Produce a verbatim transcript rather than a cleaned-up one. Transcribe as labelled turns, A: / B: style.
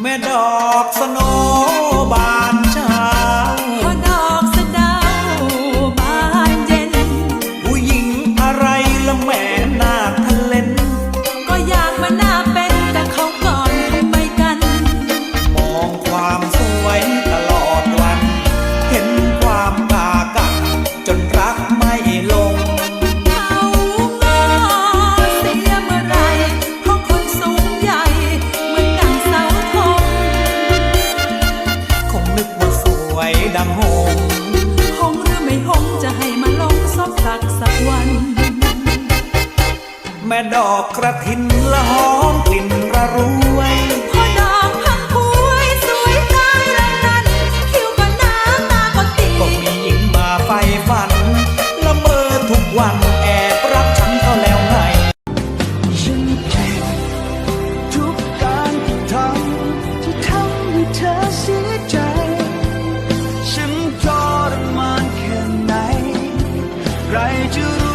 A: แม่ดอกสโนบานเช้า
B: พอดอกสะเดาบานเย็น
A: ผู้หญิงอะไรละแม่นาทะเลน
B: ก็อยากมาหน้าเป็นแต่เขาก่อนทำไมกัน
A: มองความสวยตลอดวันเห็นความกากักจนรักไม่ลง
B: เขางอเสียเมื่อไรเพราะคนสูงใหญ่เหมือนดังเสาธง
A: คงนึกว่าสวยดังหง
B: หงหรือไม่หงจะให้มาลงซบสักสักวัน
A: แม่ดอกกระถินละหอมกลิ่นระรวย
B: พอดอกพังพวยสวยตายแล้วนั้นคิ้วก็หนาตาก็ตี
A: ก็มีหญิงมาไฟฝันละเมอทุกวันแอบรักฉันก็แล้วไง
C: ฉันเก็บทุกการที่ทำที่ทำให้เธอเสียใจฉันทรมานแค่ไหนใครจะรู้